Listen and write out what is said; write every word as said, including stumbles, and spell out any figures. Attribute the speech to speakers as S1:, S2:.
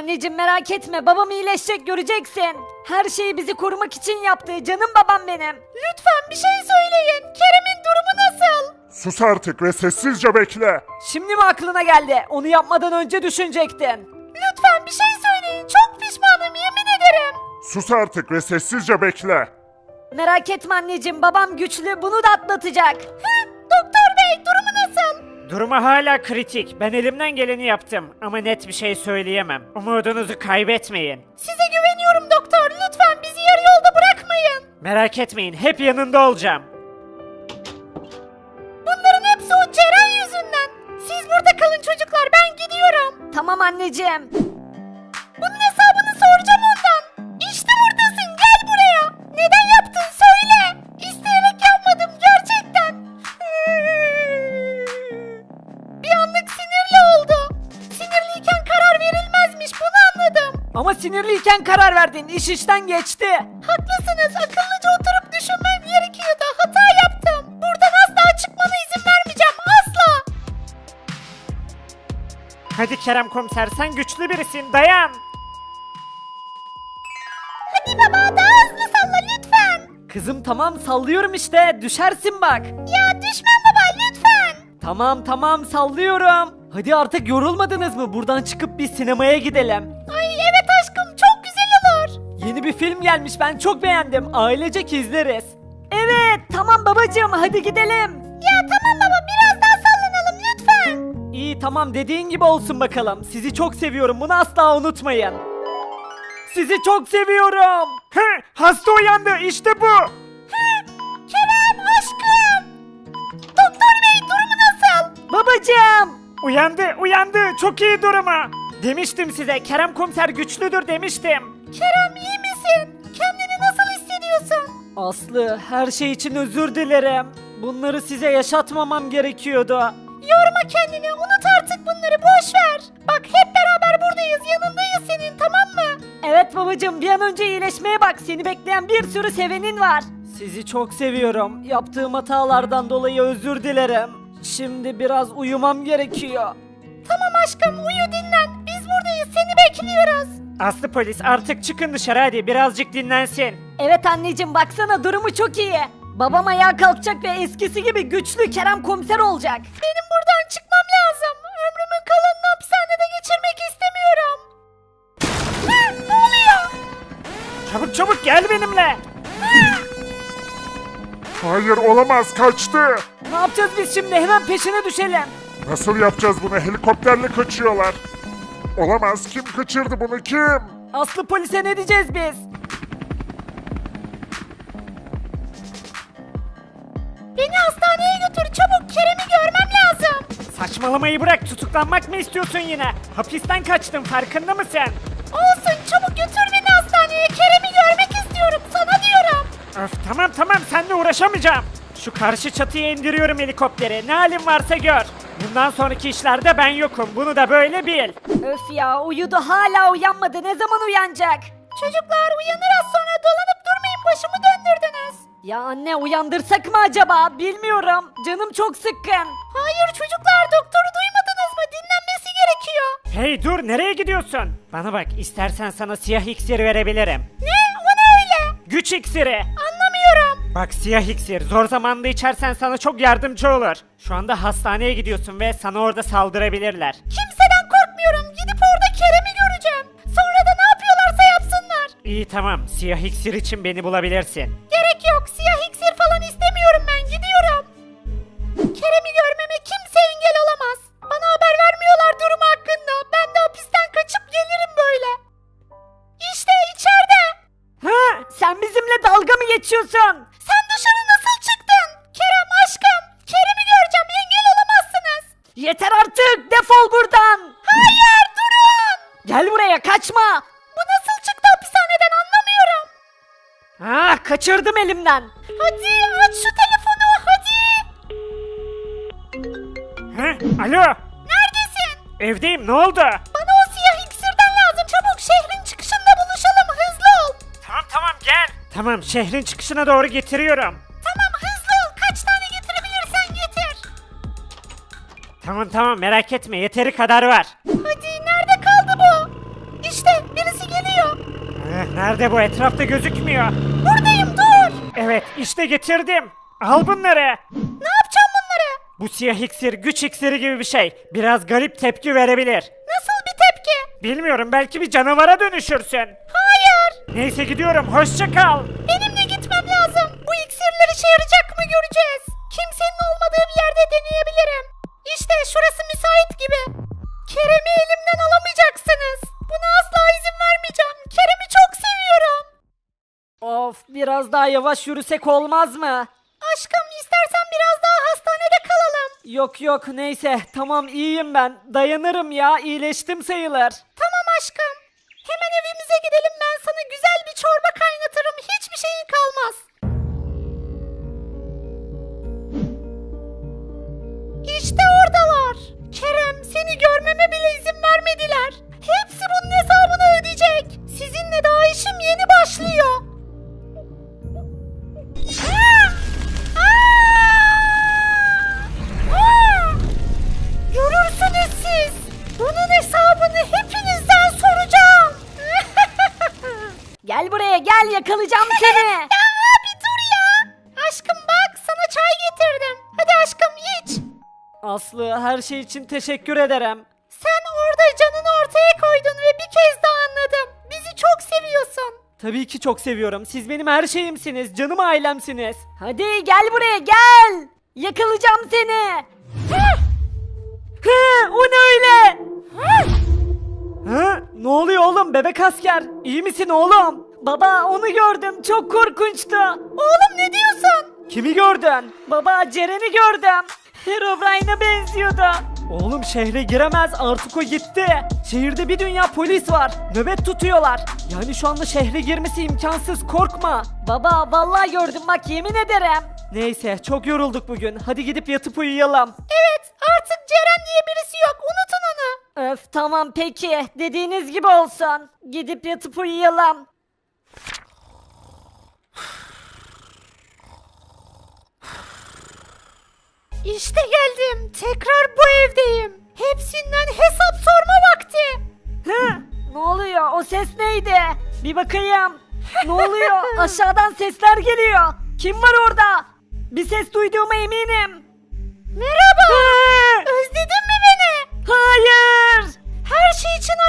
S1: anneciğim merak etme, babam iyileşecek, göreceksin. Her şeyi bizi korumak için yaptı, canım babam benim. Lütfen bir şey söyleyin, Kerem'in durumu nasıl?
S2: Sus artık ve sessizce bekle.
S1: Şimdi mi aklına geldi? Onu yapmadan önce düşünecektin. Lütfen bir şey söyleyin, çok pişmanım, yemin ederim.
S2: Sus artık ve sessizce bekle.
S1: Merak etme anneciğim, babam güçlü, bunu da atlatacak. Hı, doktor bey, durumu nasıl?
S3: Durumu hala kritik. Ben elimden geleni yaptım ama net bir şey söyleyemem. Umudunuzu kaybetmeyin.
S1: Size güveniyorum doktor, lütfen bizi yarı yolda bırakmayın.
S3: Merak etmeyin, hep yanında olacağım.
S1: Bunların hepsi o Ceren yüzünden. Siz burada kalın çocuklar, ben gidiyorum. Tamam anneciğim. Bunun hesabını soracağım ondan. İşte buradasın, gel buraya. Neden yaptın söyle. İsteyerek yapmadım gerçekten. Bir anlık sinirli oldu. Sinirliyken karar verilmezmiş, bunu anladım. Ama sinirliyken karar verdin, iş işten geçti. Haklısınız, akıllıca oturup düşünmem gerekiyordu. Hata yaptım. Buradan asla çıkmana izin vermeyeceğim, asla.
S3: Hadi Kerem komiser, sen güçlü birisin, dayan.
S1: Hadi baba, daha hızlı salla lütfen. Kızım tamam, sallıyorum işte, düşersin bak. Ya düşmem baba, lütfen. Tamam tamam, sallıyorum. Hadi artık yorulmadınız mı? Buradan çıkıp bir sinemaya gidelim. Ay evet aşkım, çok güzel olur. Yeni bir film gelmiş, ben çok beğendim. Ailecek izleriz. Evet tamam babacığım, hadi gidelim. Ya tamam baba, biraz daha sallanalım lütfen. İyi tamam, dediğin gibi olsun bakalım. Sizi çok seviyorum, bunu asla unutmayın. Sizi çok seviyorum.
S3: Hı, hasta uyandı, işte bu.
S1: Kerem aşkım. Doktor bey, durumu nasıl? Babacığım.
S3: Uyandı, uyandı, çok iyi durumu. Demiştim size, Kerem komiser güçlüdür demiştim.
S1: Kerem iyi misin? Kendini nasıl hissediyorsun? Aslı, her şey için özür dilerim. Bunları size yaşatmamam gerekiyordu. Yorma kendini, unut artık bunları, boş ver. Bak hep beraber buradayız, yanındayız senin, tamam mı? Evet babacığım, bir an önce iyileşmeye bak, seni bekleyen bir sürü sevenin var. Sizi çok seviyorum. Yaptığım hatalardan dolayı özür dilerim. Şimdi biraz uyumam gerekiyor. Tamam aşkım, uyu dinlen. Biz buradayız, seni bekliyoruz.
S3: Aslı polis, artık çıkın dışarı hadi, birazcık dinlensin.
S1: Evet anneciğim, baksana durumu çok iyi. Babam ayağa kalkacak ve eskisi gibi güçlü Kerem komiser olacak. Benim buradan çıkmam lazım. Ömrümün kalanını hapishanede geçirmek istemiyorum. Hı, ne oluyor?
S3: Çabuk çabuk gel benimle.
S2: Hayır, olamaz, kaçtı.
S1: Ne yapacağız biz şimdi? Hemen peşine düşelim.
S2: Nasıl yapacağız bunu? Helikopterle kaçıyorlar. Olamaz, kim kaçırdı bunu, kim?
S1: Aslı polise ne diyeceğiz biz? Beni hastaneye götür çabuk, Kerem'i görmem lazım.
S3: Saçmalamayı bırak, tutuklanmak mı istiyorsun yine? Hapisten kaçtın, farkında mısın?
S1: Olsun, çabuk götür beni hastaneye, Kerem'i görmek istiyorum, sana diyorum.
S3: Öf, tamam tamam, seninle uğraşamayacağım. Şu karşı çatıya indiriyorum helikopteri, ne halin varsa gör. Bundan sonraki işlerde ben yokum, bunu da böyle bil.
S1: Öf ya, uyudu hala uyanmadı, ne zaman uyanacak? Çocuklar uyanır az sonra, dolanıp durmayın, başımı döndürdünüz. Ya anne, uyandırsak mı acaba, bilmiyorum, canım çok sıkkın. Hayır çocuklar, doktoru duymadınız mı, dinlenmesi gerekiyor.
S3: Hey dur, nereye gidiyorsun? Bana bak, istersen sana siyah iksir verebilirim.
S1: Ne, o ne öyle?
S3: Güç iksiri.
S1: Anlamıyorum.
S3: Bak, siyah iksir, zor zamanda içersen sana çok yardımcı olur. Şu anda hastaneye gidiyorsun ve sana orada saldırabilirler.
S1: Kimseden korkmuyorum, gidip orada Kerem'i göreceğim. Sonra da ne yapıyorlarsa yapsınlar.
S3: İyi tamam, siyah iksir için beni bulabilirsin.
S1: Gerek yok, siyah iksir falan istemiyorum, ben gidiyorum. Kerem'i görmeme kimse engel olamaz. Bana haber vermiyorlar durumu hakkında. Ben de hapisten kaçıp gelirim böyle. İşte içeride. Ha, sen bizimle dalga mı geçiyorsun? Sen dışarı nasıl çıktın? Kerem aşkım, Kerem'i göreceğim, engel olamazsınız. Yeter artık, defol buradan. Hayır, durun. Gel buraya, kaçma. Bu nasıl çıktı hapishaneden, anlamıyorum. Ah, kaçırdım elimden. Hadi aç şu telefonu, hadi.
S3: He, alo,
S1: Neredesin?
S3: evdeyim, ne oldu?
S1: Bana o siyah iksirden lazım, çabuk şehrin çıkışında buluşalım, hızlı ol.
S3: Tamam tamam gel. Tamam, şehrin çıkışına doğru getiriyorum.
S1: Tamam, hızlı ol, kaç tane getirebilirsen getir.
S3: Tamam tamam, merak etme, yeteri kadar var.
S1: Hadi, nerede kaldı bu? İşte
S3: Nerede bu? Etrafta gözükmüyor.
S1: Buradayım, dur.
S3: Evet, işte getirdim. Al bunları.
S1: Ne yapacağım bunları?
S3: Bu siyah iksir güç iksiri gibi bir şey. Biraz garip tepki verebilir.
S1: Nasıl bir tepki?
S3: Bilmiyorum, belki bir canavara dönüşürsün.
S1: Hayır.
S3: Neyse gidiyorum, hoşça kal.
S1: Benim de gitmem lazım. Bu iksirler işe yarayacak mı göreceğiz. Kimsenin olmadığı bir yerde deneyebilirim. İşte şurası müsait gibi. Kerem'i elimden alamayacaksınız. Buna asla izin vermeyeceğim. Kerem'i çok seviyorum.
S4: Of, biraz daha yavaş yürüsek olmaz mı?
S1: Aşkım, istersen biraz daha hastanede kalalım.
S4: Yok yok, neyse, tamam, iyiyim ben. Dayanırım ya, iyileştim sayılır.
S1: Tamam aşkım. Hemen evimize gidelim, ben sana güzel bir çorba kaynatırım. Hiçbir şeyin kalmaz. İşte oradalar. Kerem, seni görmeme bile izin vermediler. Hepsi bunun hesabını ödeyecek. Sizinle daha işim yeni başlıyor. Aa! Aa! Aa! Görürsünüz siz. Bunun hesabını hepinizden soracağım.
S4: Gel buraya, gel, yakalayacağım seni.
S1: Ya abi dur ya. Aşkım bak, sana çay getirdim. Hadi aşkım iç.
S4: Aslı, her şey için teşekkür ederim.
S1: Sen orada canını ortaya koydun ve bir kez daha anladım. Bizi çok seviyorsun.
S4: Tabii ki çok seviyorum. Siz benim her şeyimsiniz, canım ailemsiniz. Hadi gel buraya, gel. Yakalayacağım seni. Hı, o ne öyle? Hı, ne oluyor oğlum, bebek asker? İyi misin oğlum? Baba, onu gördüm, çok korkunçtu.
S1: Oğlum ne diyorsun?
S4: Kimi gördün? Baba, Ceren'i gördüm. Herobrine'a benziyordu. Oğlum, şehre giremez, artık o gitti. Şehirde bir dünya polis var. Nöbet tutuyorlar. Yani şu anda şehre girmesi imkansız, korkma. Baba, vallahi gördüm bak, yemin ederim. Neyse, çok yorulduk bugün. Hadi gidip yatıp uyuyalım.
S1: Evet, artık Ceren diye birisi yok. Unutun onu.
S4: Öf, tamam peki. Dediğiniz gibi olsun. Gidip yatıp uyuyalım.
S1: İşte geldim. Tekrar bu evdeyim. Hepsinden hesap sorma vakti.
S4: Hı, ne oluyor? O ses neydi? Bir bakayım. Ne oluyor? Aşağıdan sesler geliyor. Kim var orada? Bir ses duyduğuma eminim.
S1: Merhaba.
S4: Hı,
S1: Özledin mi beni?
S4: hayır.
S1: Her şey için